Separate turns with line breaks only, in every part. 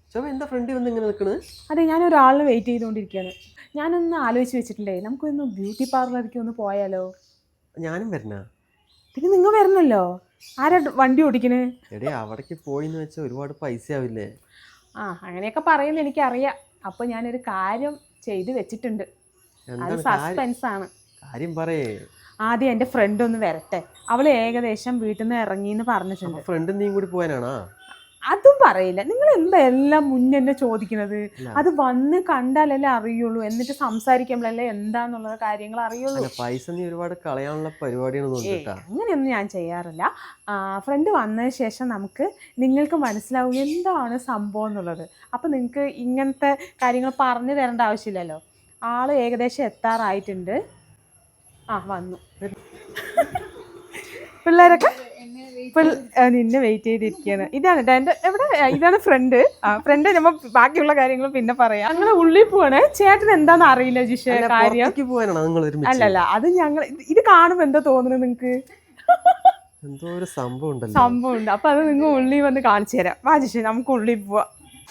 ശോഭ എന്താ ഫ്രണ്ട് വന്ന് ഇങ്ങനെ നിൽക്കണ്?
അതെ, ഞാൻ ഒരാളിനെ വെയിറ്റ് ചെയ്തുകൊണ്ടിരിക്കുകയാണ്. ഞാനൊന്ന് ആലോചിച്ച് വെച്ചിട്ടുണ്ടേ, നമുക്കൊന്ന് ബ്യൂട്ടി പാർലറിലേക്ക് ഒന്ന് പോയാലോ?
ഞാനും വരണ.
പിന്നെ നിങ്ങൾ വരണല്ലോ. ആരാ വണ്ടി ഓടിക്കണേ?
എടേ അവിടേക്ക് പോയിന്ന് വെച്ചാൽ ഒരുപാട് പൈസ ആവില്ലേ?
അങ്ങനെയൊക്കെ പറയുന്നത് എനിക്കറിയാം. അപ്പോൾ ഞാനൊരു കാര്യം ചെയ്ത് വെച്ചിട്ടുണ്ട്. അത് സസ്പെൻസ് ആണ്.
കാര്യം പറയേ.
ആദ്യം എൻ്റെ ഫ്രണ്ട് ഒന്ന് വരട്ടെ. അവൾ ഏകദേശം വീട്ടിൽ നിന്ന് ഇറങ്ങിയെന്ന് പറഞ്ഞിട്ടുണ്ട്.
ഫ്രണ്ട് നീയും കൂടി പോയാനാണോ?
അതും പറയില്ല. നിങ്ങൾ എന്താ എല്ലാം മുന്നേ ചോദിക്കുന്നത്? അത് വന്ന് കണ്ടാലല്ലേ അറിയുള്ളൂ, എന്നിട്ട് സംസാരിക്കുമ്പോഴല്ലേ എന്താന്നുള്ള കാര്യങ്ങൾ അറിയുള്ളൂ.
പൈസ നീ ഒരുപാട് കളയാനുള്ള പരിപാടിയാണ്.
അങ്ങനെയൊന്നും ഞാൻ ചെയ്യാറില്ല. ഫ്രണ്ട് വന്നതിന് ശേഷം നിങ്ങൾക്ക് മനസ്സിലാവും എന്താണ് സംഭവം എന്നുള്ളത്. അപ്പം നിങ്ങൾക്ക് ഇങ്ങനത്തെ കാര്യങ്ങൾ പറഞ്ഞു തരേണ്ട ആവശ്യമില്ലല്ലോ. ആള് ഏകദേശം എത്താറായിട്ടുണ്ട്. വന്നു. പിള്ളേരൊക്കെ നിന്നെ വെയിറ്റ് ചെയ്തിരിക്കുകയാണ്. ഇതാണ് എൻ്റെ ഇതാണ് ഫ്രണ്ട്. ഫ്രണ്ട് നമ്മൾ ബാക്കിയുള്ള കാര്യങ്ങൾ പിന്നെ പറയാം. ഞങ്ങളെ ഉള്ളിൽ പോവാണ്. ചേട്ടൻ എന്താന്ന് അറിയില്ല ജിഷ കാര്യം. അല്ലല്ല, അത് ഞങ്ങൾ ഇത് കാണുമ്പോ എന്താ തോന്നുന്നത് നിങ്ങൾക്ക്?
എന്തോ ഒരു
സംഭവമുണ്ട്. അപ്പൊ അത് നിങ്ങൾ ഉള്ളിൽ വന്ന് കാണിച്ചു തരാം. വാ ജിഷ, നമുക്ക് ഉള്ളിൽ പോവാം.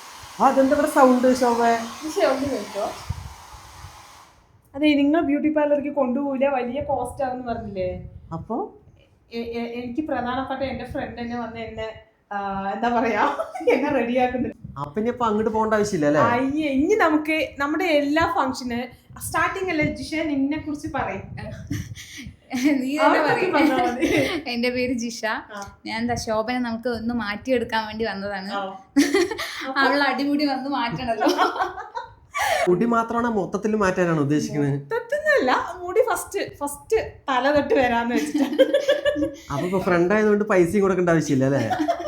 അതെ, നിങ്ങൾ ബ്യൂട്ടി പാർലറിലേക്ക് കൊണ്ടുപോയില്ല, വലിയ കോസ്റ്റ് ആണെന്ന് പറഞ്ഞില്ലേ?
അപ്പൊ
എനിക്ക് പ്രധാനപ്പെട്ട എന്റെ ഫ്രണ്ട് തന്നെ വന്ന് എന്നെ എന്താ പറയാ എന്നെ റെഡിയാക്കുന്നുണ്ട്.
അപ്പൊ അങ്ങോട്ട് പോകേണ്ട ആവശ്യമില്ല.
അയ്യേ, ഇനി നമുക്ക് നമ്മുടെ എല്ലാ ഫംഗ്ഷന് സ്റ്റാർട്ടിങ് അല്ലേ ജിഷ, നിന്നെ കുറിച്ച് പറയും.
എന്റെ പേര് ജിഷ. ഞാൻ ശോഭനെ നമുക്ക് ഒന്ന് മാറ്റിയെടുക്കാൻ വേണ്ടി വന്നതാണ്. അവൾ അടിമുടി വന്ന് മാറ്റണല്ലോ.
മുടി മാത്രമാണ് മൊത്തത്തിൽ മാറ്റാനാണ് ഉദ്ദേശിക്കുന്നത്?
മൊത്തത്തിലല്ല, മുടി ഫസ്റ്റ് തല തൊട്ട് വരാന്ന് വെച്ചിട്ട്.
അപ്പൊ ഫ്രണ്ട് ആയതുകൊണ്ട് പൈസയും കൊടുക്കേണ്ട ആവശ്യമില്ല അല്ലേ?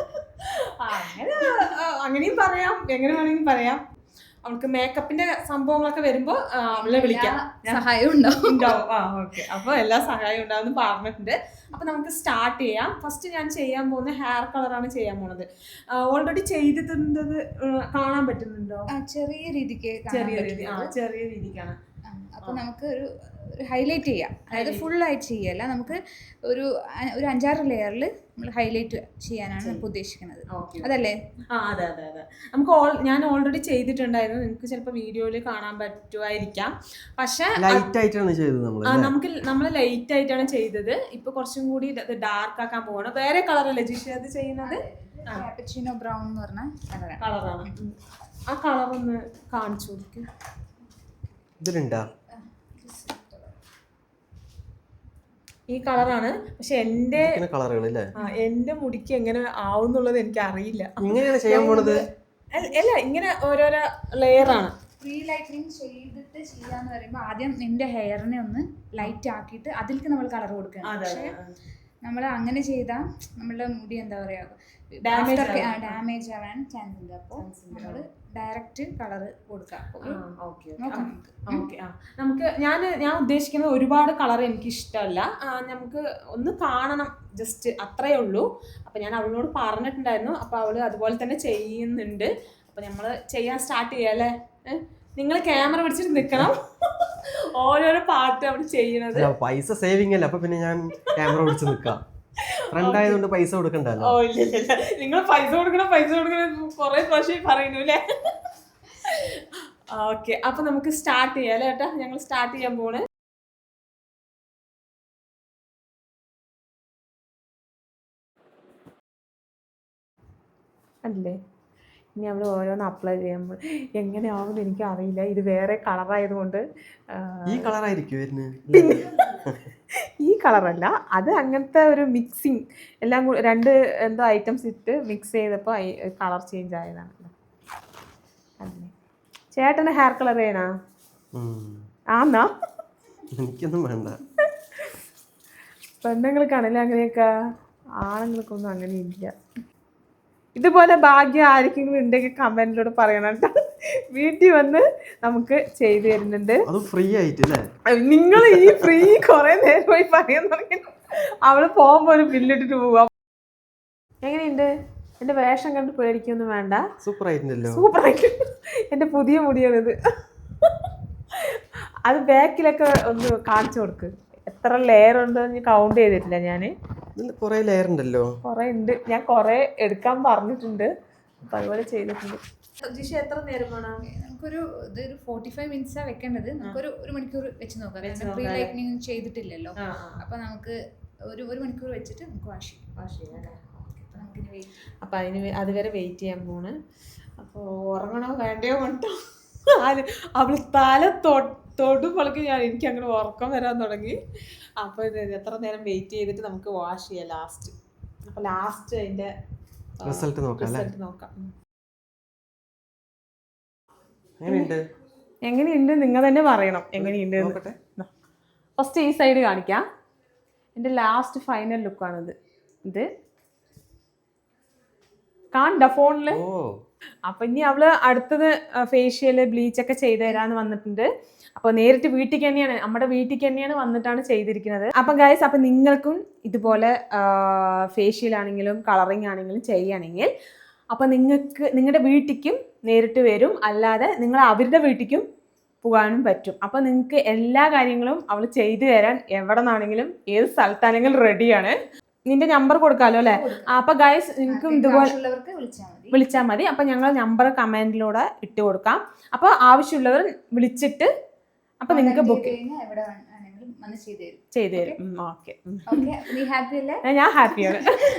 അങ്ങനെയും പറയാം, എങ്ങനെ വേണമെങ്കിലും പറയാം. അവൾക്ക് മേക്കപ്പിന്റെ സംഭവങ്ങളൊക്കെ വരുമ്പോ അവളെ വിളിക്കാം,
സഹായം ഉണ്ടാവും.
ഓക്കെ, അപ്പൊ എല്ലാ സഹായം ഉണ്ടാവും പറഞ്ഞിട്ടുണ്ട്. അപ്പൊ നമുക്ക് സ്റ്റാർട്ട് ചെയ്യാം. ഫസ്റ്റ് ഞാൻ ചെയ്യാൻ പോകുന്ന ഹെയർ കളറാണ് ചെയ്യാൻ പോണത്. ഓൾറെഡി ചെയ്തിട്ടുണ്ടത് കാണാൻ പറ്റുന്നുണ്ടോ?
ചെറിയ രീതിക്ക്,
ചെറിയ രീതിക്കാണ്.
അപ്പൊ നമുക്ക് ഒരു ഹൈലൈറ്റ് ചെയ്യാം. അതായത് ഫുള്ളായിട്ട് ചെയ്യല്ല, നമുക്ക് ഒരു 5-6 ലെയറിൽ നമ്മൾ ഹൈലൈറ്റ് ചെയ്യാനാണ് നമുക്ക് ഉദ്ദേശിക്കുന്നത്. അതല്ലേ?
അതെ. ഞാൻ ഓൾറെഡി ചെയ്തിട്ടുണ്ടായിരുന്നു. നിങ്ങൾക്ക് ചിലപ്പോൾ വീഡിയോയിൽ കാണാൻ പറ്റുമായിരിക്കാം. പക്ഷെ നമ്മൾ ലൈറ്റ് ആയിട്ടാണ് ചെയ്തത്. ഇപ്പൊ കുറച്ചും കൂടി ഡാർക്ക് ആക്കാൻ പോവാണ്. വേറെ കളറല്ലേ ജിഷ അത് ചെയ്യുന്നത്?
കാപ്പച്ചിനോ ബ്രൗൺ എന്ന് പറഞ്ഞ
കളറാണ്. ആ കളർ ഒന്ന് കാണിച്ചു കൊടുക്കും.
ഇതിലുണ്ടാ
ഈ കളറാണ്. പക്ഷെ എന്റെ മുടിക്ക് എങ്ങനെ ആവുന്നുള്ളത് എനിക്ക് അറിയില്ല. അല്ല, ഇങ്ങനെ ഓരോരോ ലെയറാണ്.
പ്രീ ലൈറ്റനിങ് ചെയ്തിട്ട് ചെയ്യാന്ന് പറയുമ്പോൾ ആദ്യം നിന്റെ ഹെയറിനെ ഒന്ന് ലൈറ്റ് ആക്കിയിട്ട് അതിലേക്ക് നമ്മൾ കളർ കൊടുക്കണം. പക്ഷെ നമ്മൾ അങ്ങനെ ചെയ്താൽ നമ്മളുടെ മുടി എന്താ പറയാ ഡാമേജ് ആവാൻ ചാൻസ് ഉണ്ട്. അപ്പോൾ നമ്മൾ ഡയറക്റ്റ് കളർ കൊടുക്കാം.
നമുക്ക് ഞാൻ ഉദ്ദേശിക്കുന്നത് ഒരുപാട് കളർ എനിക്ക് ഇഷ്ടമല്ല. നമുക്ക് ഒന്ന് കാണണം, ജസ്റ്റ് അത്രയേ ഉള്ളൂ. അപ്പൊ ഞാൻ അവളോട് പറഞ്ഞിട്ടുണ്ടായിരുന്നു. അപ്പൊ അവള് അതുപോലെ തന്നെ ചെയ്യുന്നുണ്ട്. അപ്പൊ നമ്മള് ചെയ്യാൻ സ്റ്റാർട്ട് ചെയ്യാല്ലേ? നിങ്ങൾ ക്യാമറ പിടിച്ചിട്ട് നിൽക്കണം. ഓരോരോ പാട്ട് അവള് ചെയ്യണത്.
പൈസ സേവിങ് അല്ല, അപ്പൊ പിന്നെ ഞാൻ ക്യാമറ പിടിച്ച് നിൽക്കാം. ഫ്രണ്ട് ആയതുകൊണ്ട് പൈസ കൊടുക്കണ്ടല്ലോ.
ഇല്ല, നിങ്ങൾ പൈസ കൊടുക്കണം കുറെ പ്രാവശ്യം പറയുന്നു അല്ലേ? ഓക്കെ, അപ്പൊ നമുക്ക് സ്റ്റാർട്ട് ചെയ്യാം അല്ലേ ഏട്ടാ? ഞങ്ങൾ സ്റ്റാർട്ട് ചെയ്യാൻ പോണ്. അല്ലേ, ഇനി നമ്മൾ ഓരോന്ന് അപ്ലൈ ചെയ്യുമ്പോൾ എങ്ങനെയാവുമെന്ന് എനിക്ക് അറിയില്ല. ഇത് വേറെ കളറായതുകൊണ്ട്
ഈ കളറായിരിക്കും.
ഈ കളറല്ല, അത് അങ്ങനത്തെ ഒരു മിക്സിങ് എല്ലാം കൂടി എന്തോ ഐറ്റംസ് ഇട്ട് മിക്സ് ചെയ്തപ്പോൾ കളർ ചേഞ്ച് ആയതാണ്. അല്ലേ, ചേട്ടന് ഹെയർ കളർ ചെയ്യണോ? ആന്നാ?
എനിക്കൊന്നും വേണ്ട.
പെണ്ണുങ്ങൾക്കാണല്ലേ അങ്ങനെയൊക്കെ, ആണുങ്ങൾക്കൊന്നും അങ്ങനെ ഇല്ല. ഇതുപോലെ ഭാഗ്യം ആർക്കെങ്കിലും ഉണ്ടെങ്കിൽ കമന്റിലൂടെ പറയണം കേട്ടോ. വീട്ടിൽ വന്ന് നമുക്ക് ചെയ്തു തരുന്നുണ്ട്. നിങ്ങൾ ഈ ഫ്രീ കുറെ നേരമായി പറയാൻ തുടങ്ങി. അവള് പോകുമ്പോ ഒരു ബില്ലിട്ടിട്ട് പോവാ. എങ്ങനെയുണ്ട്? എന്റെ വേഷം കണ്ട് പേടിക്കൊന്നും വേണ്ട.
സൂപ്പർ ആയിട്ടുണ്ടല്ലോ.
സൂപ്പർ ആയിട്ട്. എന്റെ പുതിയ മുടിയാണിത്. അത് ബാക്കിലൊക്കെ ഒന്ന് കാണിച്ചു കൊടുക്ക്. എത്ര ലെയർ ഉണ്ടോ കൗണ്ട് ചെയ്തിട്ടില്ല ഞാൻ.
കുറെ ലെയർ ഉണ്ടല്ലോ.
കുറെ ഉണ്ട്. ഞാൻ കുറെ എടുക്കാൻ പറഞ്ഞിട്ടുണ്ട്. അപ്പൊ അതുപോലെ ചെയ്തിട്ടുണ്ട്. ജിഷ എത്ര നേരം വേണം?
നമുക്കൊരു ഇതൊരു 45 മിനിറ്റ്സാണ് വെക്കേണ്ടത്. നമുക്കൊരു 1 മണിക്കൂർ വെച്ച് നോക്കാം. കാരണം പ്രീ ലൈറ്റനിങ് ചെയ്തിട്ടില്ലല്ലോ. അപ്പൊ നമുക്ക് ഒരു 1 മണിക്കൂർ വെച്ചിട്ട് നമുക്ക് വാഷ് ചെയ്യാം.
അപ്പൊ അതുവരെ വെയിറ്റ് ചെയ്യാൻ പോണ്. അപ്പോൾ ഉറങ്ങണോ വേണ്ടയോ കൊണ്ടോ അവള് തല തൊടുമ്പോഴേക്ക് എനിക്ക് അങ്ങനെ ഉറക്കം വരാൻ തുടങ്ങി. അപ്പോൾ ഇത് എത്ര നേരം വെയിറ്റ് ചെയ്തിട്ട് നമുക്ക് വാഷ് ചെയ്യാം ലാസ്റ്റ്. അപ്പോൾ ലാസ്റ്റ് അതിന്റെ
റിസൾട്ട് നോക്കാം.
എങ്ങനെയുണ്ട് നിങ്ങൾ തന്നെ പറയണം എങ്ങനെയുണ്ട്. ഫസ്റ്റ് ഈ സൈഡ് കാണിക്കാം. എൻ്റെ ലാസ്റ്റ് ഫൈനൽ ലുക്കാണിത്. ഇത് കാണണ്ട ഫോണില്. അപ്പൊ ഇനി അവള് അടുത്തത് ഫേഷ്യല് ബ്ലീച്ചൊക്കെ ചെയ്തു തരാന്ന് വന്നിട്ടുണ്ട്. അപ്പൊ നേരിട്ട് വീട്ടിലേക്ക് തന്നെയാണ്, നമ്മുടെ വീട്ടിലേക്ക് തന്നെയാണ് വന്നിട്ടാണ് ചെയ്തിരിക്കുന്നത്. അപ്പൊ ഗൈസ്, അപ്പൊ നിങ്ങൾക്കും ഇതുപോലെ ഫേഷ്യൽ ആണെങ്കിലും കളറിങ് ആണെങ്കിലും ചെയ്യുകയാണെങ്കിൽ അപ്പൊ നിങ്ങൾക്ക് നിങ്ങളുടെ വീട്ടിലേക്കും നേരിട്ട് വരും, അല്ലാതെ നിങ്ങൾ അവരുടെ വീട്ടിലേക്കും പോകാനും പറ്റും. അപ്പൊ നിങ്ങൾക്ക് എല്ലാ കാര്യങ്ങളും അവൾ ചെയ്തു തരാൻ എവിടെ നിന്നാണെങ്കിലും ഏത് സ്ഥലത്താണെങ്കിലും റെഡിയാണ്. നിന്റെ നമ്പർ കൊടുക്കാലോ അല്ലെ? അപ്പൊ ഗൈസ് നിങ്ങൾക്കും ഇതുപോലെ വിളിച്ചാൽ മതി. അപ്പൊ ഞങ്ങൾ നമ്പർ കമന്റിലൂടെ ഇട്ട് കൊടുക്കാം. അപ്പൊ ആവശ്യമുള്ളവർ വിളിച്ചിട്ട് അപ്പൊ നിങ്ങൾക്ക് ബുക്ക് ചെയ്തു തരും. ഓക്കെ, ഞാൻ ഹാപ്പിയാണ്.